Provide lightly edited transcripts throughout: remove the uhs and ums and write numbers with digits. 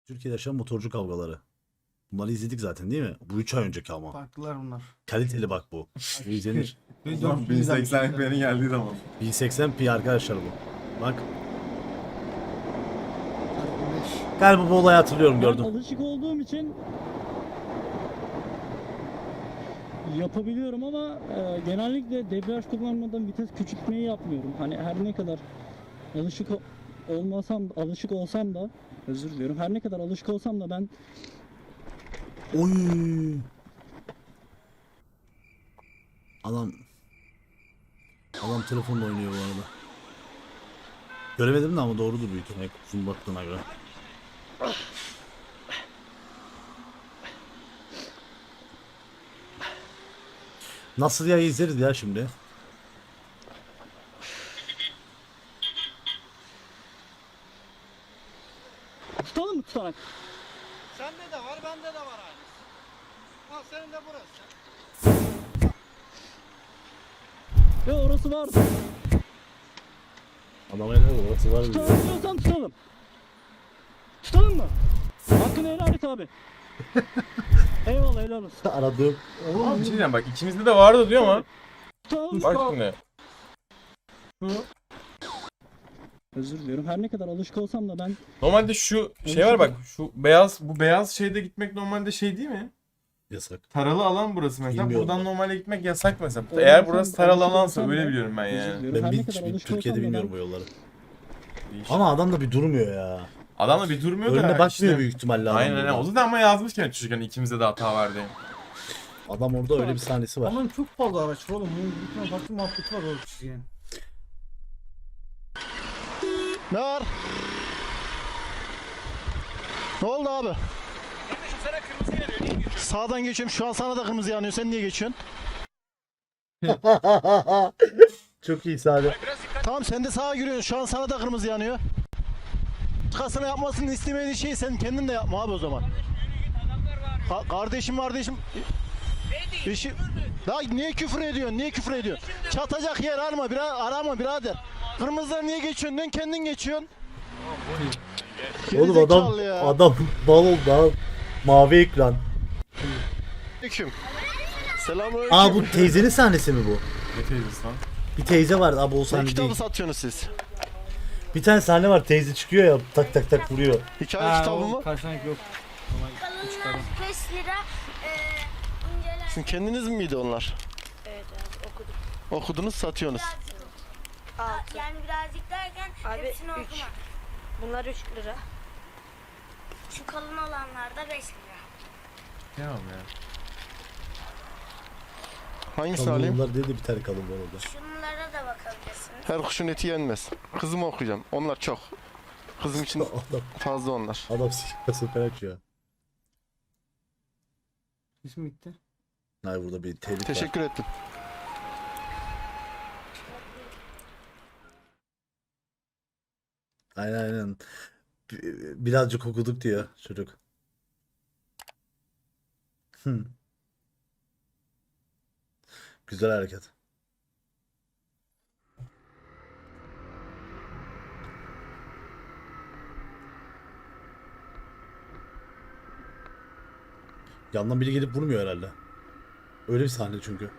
Türkiye'de yaşayan motorcu kavgaları. Bunları izledik zaten değil mi? Bu 3 ay önceki ama. Farklılar bunlar. Kaliteli bak bu. Bu izlenir. Ve Ulan 1080 FPS'nin geldiği zaman. 1080p arkadaşlar bu. Bak. 45. Galiba bu olayı hatırlıyorum, gördüm. Ben alışık olduğum için yapabiliyorum ama genellikle debriyaj kullanmadan vites küçültmeyi yapmıyorum. Hani her ne kadar alışık olsam da özür diliyorum. Her ne kadar alışık olsam da ben Oy. Adam telefonla oynuyor bu arada. Göremedim de ama doğrudur büyük ihtimalle uzun baktığına göre. Nasıl ya, izleriz ya şimdi. tutalım mı tutarak? Sende de var, bende de var aynı. Al senin de burası. Ve orası var. Adama ne olur, orası var diyor. Tutalım diyorsan tutalım. Tutalım mı? Hakkını helal et abi. Eyvallah, helal olsun. Aradığım. Oğlum bir şey diyeceğim bak ikimizde de vardı diyor ama. Tutalım. Bak şimdi. Özür diliyorum. Her ne kadar alışık olsam da ben Normalde şu şey var bak şu beyaz şeyde gitmek normalde şey değil mi? Yasak. Taralı alan burası mesela. Bilmiyorum Buradan ben. normalde gitmek yasak mesela. Orada Eğer sen burası taralı alışık alansa olsan öyle da- biliyorum ben özür yani. diliyorum. Ben Her ne hiç kadar alışık Türkiye'de olsam da bilmiyorum ben bu yolları. Değişik. Ama adam da bir durmuyor ya. Adam da bir durmuyor da Önüne bakmıyor işte. büyük ihtimalle adam. Aynen aynen. burada. O zaten ama yazmış yani çocukken ikimizde de hata var diye. Adam orada öyle bir sahnesi var. Ama çok fazla araç var oğlum. Bunun bir tane farklı muhabbeti var o çizginin. Ne var? Ne oldu abi? Kardeşim sana kırmızı yanıyor, niye geçiyorsun? Sağdan geçiyorum. Şu an sana da kırmızı yanıyor. Sen niye geçiyorsun? Çok iyi sahne. Biraz dikkat. Tamam sen de sağa giriyorsun. Şu an sana da kırmızı yanıyor. Başkasına yapmasını istemediğin şeyi sen kendin de yapma abi o zaman. Kardeşim. İşi... Daha niye küfür ediyorsun? Niye küfür ediyorsun? Çatacak yer arama birader. Kırmızıdan niye geçiyorsun? Dön kendin geçiyorsun. Oğlum Gerizekalı ya. adam bal oldu ha. Mavi ekran. Aleyküm. Selamünaleyküm. Aa, bu teyzenin sahnesi mi bu? Ne teyzesi lan? Bir teyze var abi, o Ne sahne kitabı değil. satıyorsunuz siz? Bir tane sahne var, teyze çıkıyor ya, tak tak tak vuruyor. Hikaye kitabı mı? Karşılamak yok. Kalınlar 5 lira. İnceler. Sizin kendiniz miydi onlar? Evet abi okudum. Okudunuz satıyorsunuz. Yani birazcık derken Abi, hepsini üç. okuma. Bunlar 3 lira. Şu kalın olanlar da 5 lira. Tamam ya. Hangisini alayım? Kalınlar dedi, bir tane kalın var orada. Şunlara da bakabilirsiniz. Her kuşun eti yenmez. Kızımı okuyacağım. Onlar çok. Kızım için Adam, fazla onlar. adam sefer açıyor. İsmi bitti. Hayır, burada bir tehlike var. Teşekkür ettim. Aynen aynen. Birazcık okuduk diyor çocuk. Güzel hareket. Yandan biri gelip vurmuyor herhalde. Öyle bir sahne çünkü.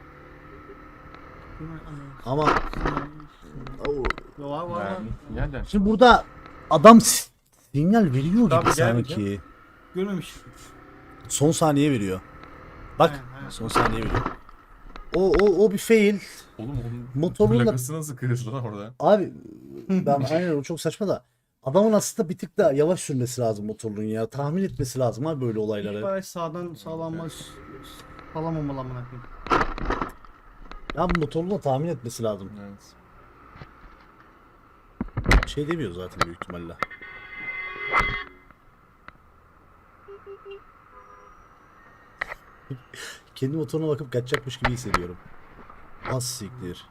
Ama Oo. Var var. Yani, yani. Şimdi burada adam sinyal veriyor Tabii, gibi gel sanki. Görmemiş. Son saniye veriyor. Bak, Aynen, aynen. son saniye veriyor. O bir fail. Oğlum onun Motorun da plakası nasıl kırıldı lan orada? abi, ben aynen, o çok saçma da. Adamın aslında bir tık daha yavaş sürmesi lazım motorun ya. Tahmin etmesi lazım abi böyle İlk olayları. araç sağdan sağlanmaz. Sağlamamalı amına koyayım. Ya bu motorun da tahmin etmesi lazım. Evet. Şey demiyor zaten büyük ihtimalle. Kendi motoruna bakıp kaçacakmış gibi hissediyorum. Az siktir.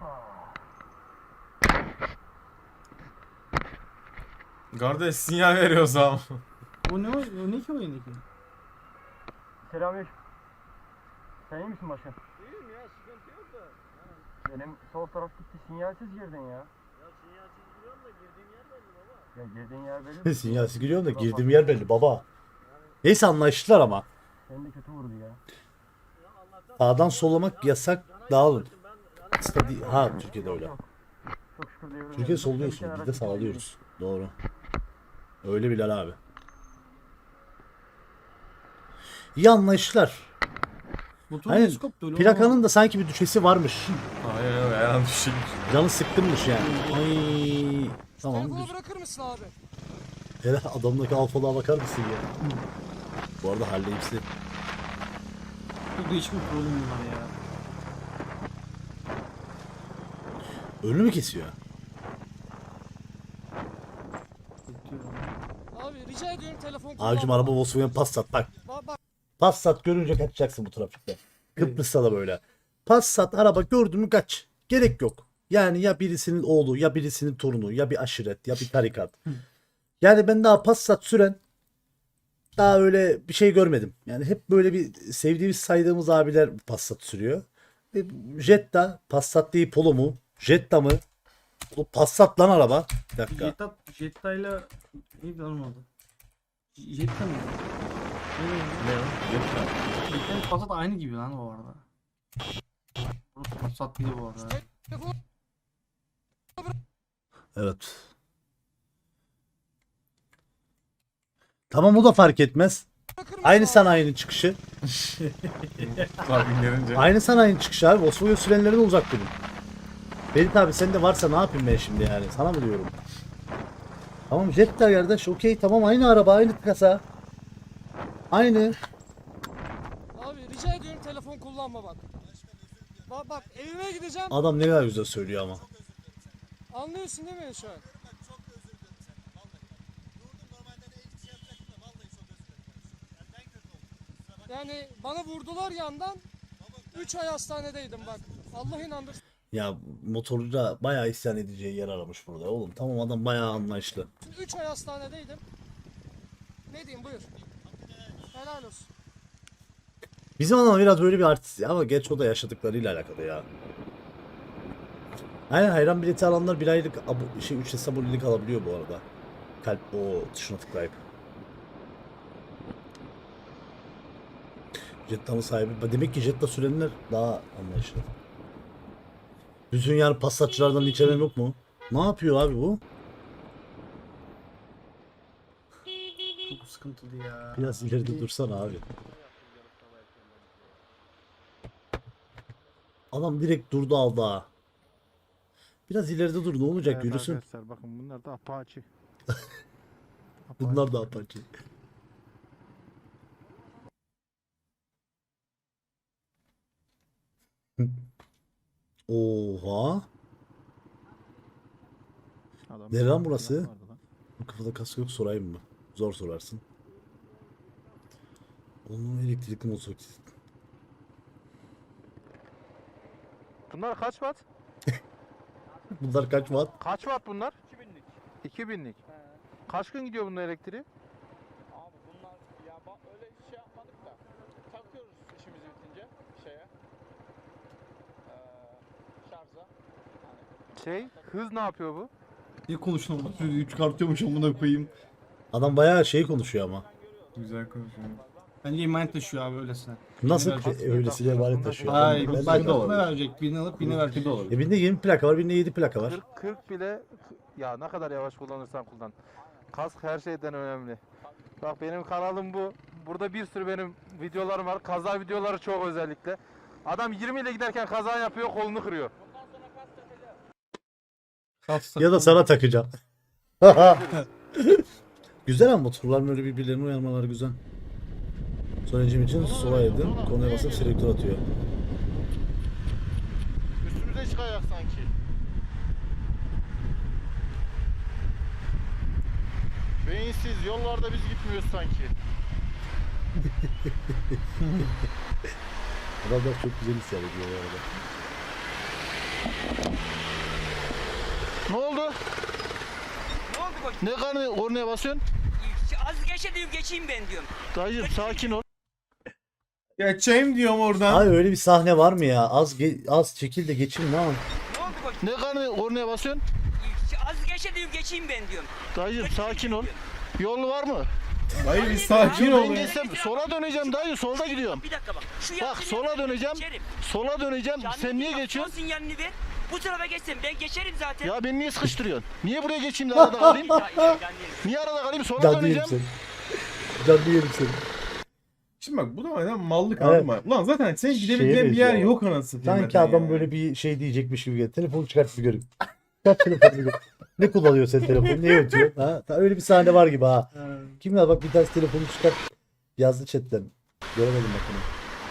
Kardeş sinyal veriyorsam. O ne ki o yendeki? Selamünaleyküm. Sen iyi misin başkan? İyiyim ya, sıkıntı yok da. Benim sol taraf gitti, sinyalsiz girdin ya. Ya sinyalsiz giriyorum da girdiğim yer belli baba. Ya girdiğin yer belli. Sinyalsiz giriyorum da girdiğim yer belli baba. Neyse anlaştılar ama. Seni de kötü vurdu ya. Sağdan sollamak yasak, dağılın. Ha Türkiye'de öyle. Çok şükür diyorum. Türkiye'de solluyorsun, biz de sağlıyoruz. Doğru. Öyle Bilal abi. İyi anlaştılar. Motor Aynen. nasıl koptu öyle? Plakanın da sanki bir düşesi varmış. Aynen öyle. Ayağım düşecek. Canı sıkkınmış yani. Ay. Tamam. Telefonu bırakır mısın abi? Hele adamdaki alfalığa bakar mısın ya? Bu arada halleyipsi. Çok değişik bir problem var ya. Önünü mü kesiyor? Abi rica ediyorum telefon kullanma. Abicim araba Volkswagen Passat bak. Bak Passat görünce kaçacaksın bu trafikte. Kıbrıs'ta da böyle. Passat araba gördün mü kaç. Gerek yok. Yani ya birisinin oğlu ya birisinin torunu ya bir aşiret ya bir tarikat. Yani ben daha Passat süren daha öyle bir şey görmedim. Yani hep böyle bir sevdiğimiz saydığımız abiler Passat sürüyor. Jetta Passat değil Polo mu? Jetta mı? O Passat lan araba. Bir dakika. Jetta'yla neydi lan oldu? Jetta mı? Ne o? Yeter. Jetta'nın Passat aynı gibi lan bu arada. Burası Passat değil bu arada. Evet. Tamam o da fark etmez. Aynı sanayinin çıkışı. Abi gelince. Aynı sanayinin çıkışı abi. Volkswagen sürenlerden uzak durun. Ferit abi sen de varsa ne yapayım ben şimdi yani? Sana mı diyorum? Tamam Jetta kardeş okey tamam aynı araba aynı kasa. Aynı. abi rica ediyorum telefon kullanma bak. Bak evime gideceğim. Adam ne kadar güzel söylüyor ama. Anlıyorsun değil mi şu an? Yani bana vurdular yandan. 3 ay hastanedeydim bak. Allah inandırsın. Ya motorcuda bayağı isyan edeceği yer aramış burada oğlum. Tamam adam bayağı anlayışlı. 3 ay hastanedeydim. Ne diyeyim buyur. Helal olsun. Bizim adam biraz böyle bir artist ama gerçi o da yaşadıklarıyla alakalı ya. Aynen hayran bileti alanlar bir aylık ücretsiz abonelik alabiliyor bu arada. Kalp o tuşuna tıklayıp. Jetta'nın sahibi. Demek ki Jetta sürenler daha anlayışlı. Bütün yani Passatçılardan hiç haberim yok mu? Ne yapıyor abi bu? Çok sıkıntılı ya. Biraz ileride dursana abi. Adam direkt durdu aldı ha. Biraz ileride dur ne olacak yürüsün. Arkadaşlar bakın bunlar da Apache. Bunlar da Apache. Oha. Nere lan burası? Bu kafada kask yok sorayım mı? Zor sorarsın. Onun elektrikli motosiklet. Bunlar kaç watt? Bunlar kaç watt? Kaç watt bunlar? 2000'lik. Kaç gün gidiyor bunun elektriği? Abi bunlar ya öyle şey yapmadık da takıyoruz işimiz bitince şeye şarja. Şey, hız ne yapıyor bu? Ne konuşuyorum bak sözü çıkartıyormuş amına koyayım. Adam bayağı şey konuşuyor ama. Güzel konuşuyor. Bence emanet taşıyor abi öylesine. Nasıl Birini öylesine emanet taşıyor? Hayır, Ben- ben de verecek. Birini alıp birini verecek de olur. Birinde 20 plaka var, birinde 7 plaka var. 40 bile ya ne kadar yavaş kullanırsan kullan. Kask her şeyden önemli. Bak benim kanalım bu. Burada bir sürü benim videolarım var. Kaza videoları çok özellikle. Adam 20 ile giderken kaza yapıyor, kolunu kırıyor. Ya da sana takacağım. Güzel ama motorlar böyle birbirlerine uyarmaları güzel. Sonucum için sola edin. Konuya basıp selektör atıyor. Üstümüze çıkacak sanki. Beyinsiz yollarda biz gitmiyoruz sanki. Adamlar çok güzel isyan ediyor bu arada. Ne oldu? Ne oldu bak? Ne kornaya basıyorsun? Az geçe diyorum geçeyim ben diyorum. Dayıcım sakin ol. Geçeyim diyorum oradan. Abi öyle bir sahne var mı ya? Az çekil de geçin lan. Ne oldu bak? Ne kornaya basıyorsun? Az geçe diyorum geçeyim ben diyorum. Dayıcım sakin ol. Yol var mı? Dayı bir sakin ol Ben ya. geçsem sola döneceğim dayı, solda gidiyorum. Bir dakika bak. Şu Bak yaptığını sola yapsana, döneceğim. geçerim. Sola döneceğim. Canlı Sen niye bak, geçiyorsun? son sinyalini ver. Bu tarafa geçsem ben geçerim zaten. Ya beni niye sıkıştırıyorsun? Niye buraya geçeyim de arada kalayım? Niye arada kalayım? Sola Canlı yerim döneceğim. seni. Canlı yerim seni. Şimdi bak bu da neden mallık Evet. abi. Ulan zaten senin Şeye gidebileceğin bir yer benziyor. yok anasını satayım Sanki zaten adam ya. böyle bir şey diyecekmiş gibi geldi. Telefonu çıkart bir göreyim. Çıkart telefonu bir göreyim. Ne kullanıyor sen telefonu? Niye ötüyor? Ha? Öyle bir sahne var gibi ha. Kimler bak bir tanesi telefonu çıkart. Yazdı chatten. Göremedim bak onu.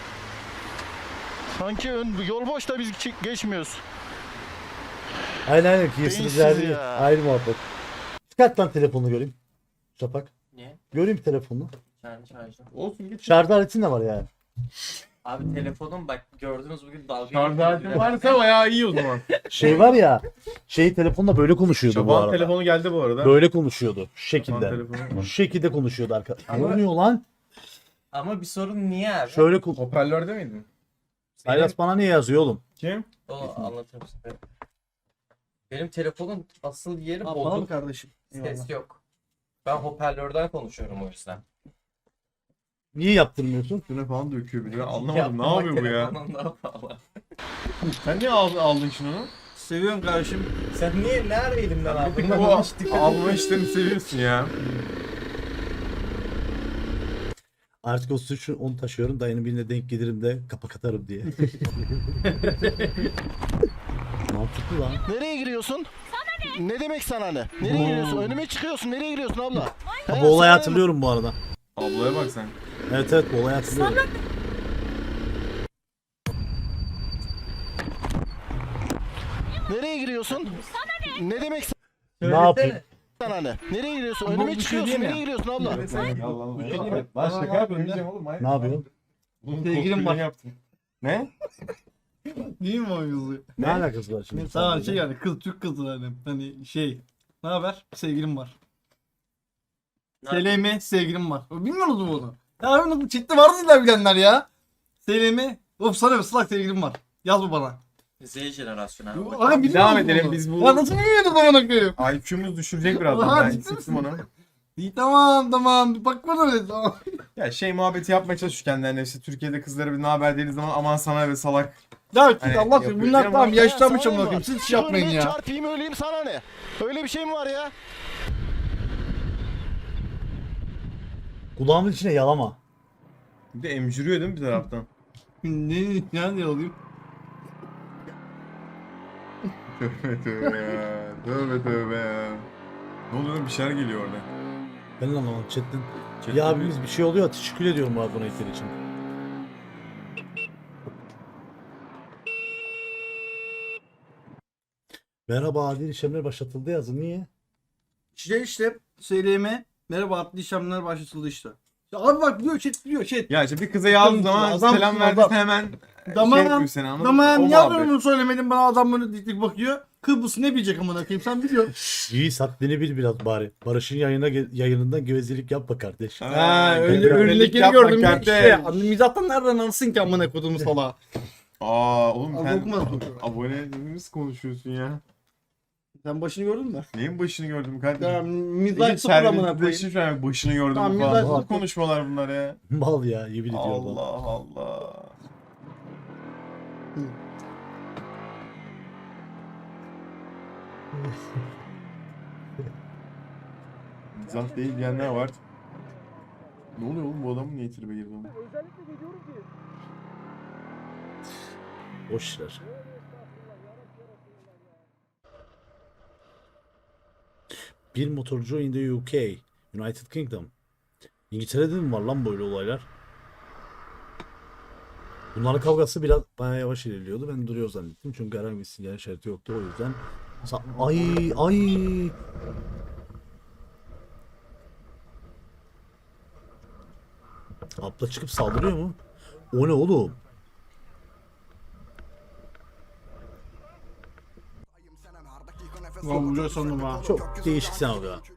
Sanki yol boş da biz geçmiyoruz. Aynen Beyinsiz Kesinlikle verdi. ya. Ayrı muhabbet. Çıkart lan telefonunu göreyim. Şafak. Niye? Göreyim telefonunu. Kendi şarjım. Olsun git. Şarj aletin de var yani. Abi telefonum bak gördünüz bugün dalga Şarj aletin varsa bayağı iyi o zaman. Şey var ya. Telefonla böyle konuşuyordu bu Şaban arada. telefonu geldi bu arada. Böyle konuşuyordu. Şu Şaban şekilde. telefonu. Şu şekilde konuşuyordu arkadaşlar. Ne Ama- oluyor lan? Ama bir sorun niye abi? Şöyle Hoparlörde miydin? Saylas bana niye yazıyor oğlum? Kim? O anlatırım size. Benim telefonun asıl yeri Bana bozuk. mı kardeşim? Ses yok. Ben hoparlörden konuşuyorum o yüzden. Niye yaptırmıyorsun? Üstüne falan döküyor bir de. Ben anlamadım. Ne Yapmamak yapıyor bu ya? telefonun daha pahalı. Sen niye aldın şunu? Seviyorum kardeşim. Sen niye ne ara elimden aldın? Bu alma işlerini seviyorsun ya. Artık o suçu onu taşıyorum. Dayının birine denk gelirim de kapak atarım diye. Mantıklı lan. Nereye giriyorsun? Ne demek sana ne? Nereye giriyorsun? Önüme çıkıyorsun. Nereye giriyorsun abla? Ha, He, bu sana olayı ne? hatırlıyorum bu arada. Ablaya bak sen. Evet bu olayı hatırlıyorum. Nereye giriyorsun? Ne demek Ne yapayım? sana ne? Nereye giriyorsun? Önüme çıkıyorsun. Nereye giriyorsun abla? Lan şaka yapıyorum oğlum. Ne yapıyorsun? Bunun Sevgilim var. yaptım. Ne? Değil mi o yüzü? Ne alakası var şimdi? Sana şey yani kız Türk kızı hani şey. Ne haber? Sevgilim var. SLM sevgilim var. Bilmiyor musun bunu? Ya abi nasıl chatte vardı illa bilenler ya. SLM. Of sana bir ıslak sevgilim var. Yaz bu bana. Z jenerasyonu abi. Aga bilmiyor Devam musun edelim bunu? biz bu. Ya nasıl bilmiyordun bana koyayım? IQ'muz düşürecek birazdan. Aha, Ben ciddi hissettim misin? onu. İyi tamam. Bak bana öyle tamam. Ya şey muhabbeti yapmaya çalışıyor kendilerine işte Türkiye'de kızlara bir ne haber dediğiniz zaman aman sana ve salak. Ya git Hani Allah aşkına yapıyor. bunlar tamam Ya yaşlanmış sana amına ne koyayım. var? Siz şey yapmayın Önüme ya. çarpayım öleyim sana ne? Öyle bir şey mi var ya? Kulağımın içine yalama. Bir de emciriyor değil mi bir taraftan? Ne alayım? Tövbe tövbe ya. Tövbe tövbe ya. Ne oluyor lan? Bir şeyler geliyor orada. Ben de anlamadım chatten. Chatten Ya abimiz bir şey oluyor. Teşekkür ediyorum bu abonelikler için. Merhaba adil işlemler başlatıldı yazın. Niye? İşte söyleyeme. Merhaba adli işlemler başlatıldı işte. Ya abi bak diyor chat diyor chat. Ya işte bir kıza yazdığın zaman Adam- selam adam- verdiyse hemen Tamam. şey yapıyor seni anladın mı? Tamam O niye muhabbet. bunu söylemedin bana adam böyle dik dik bakıyor. Kıbrıs ne bilecek amına koyayım sen biliyorsun. İyi haddini bil biraz bari. Barış'ın yayınından gevezelik yapma kardeş. Ha öyle Biraz önündekini yapma gördüm ya kardeş. işte. Mizahtan nereden alsın ki amına koduğumu salağa. Aa oğlum Abi sen okumaz bu. abonelerimiz konuşuyorsun ya. Sen başını gördün mü? Neyin başını gördüm Ya kardeşim? mizah sıfır amına koyayım. Terbiyesizleştin şu an başını gördüm Tamam, falan. mizah Nasıl sıfır. konuşmalar bunlar ya? Mal ya yemin ediyorum. Allah Allah. Mizah değil diyenler var. Ne oluyor oğlum bu adamın niye tribe girdi oğlum? Boş işler. Bir motorcu in the UK, United Kingdom. İngiltere'de mi var lan böyle olaylar? Bunların kavgası biraz bayağı yavaş ilerliyordu. Ben duruyor zannettim. Çünkü herhangi bir sinyal işareti yoktu. O yüzden ay. Abla çıkıp saldırıyor mu? O ne oğlum? Ulan vuruyor sandım ha. Çok değişik senaryo.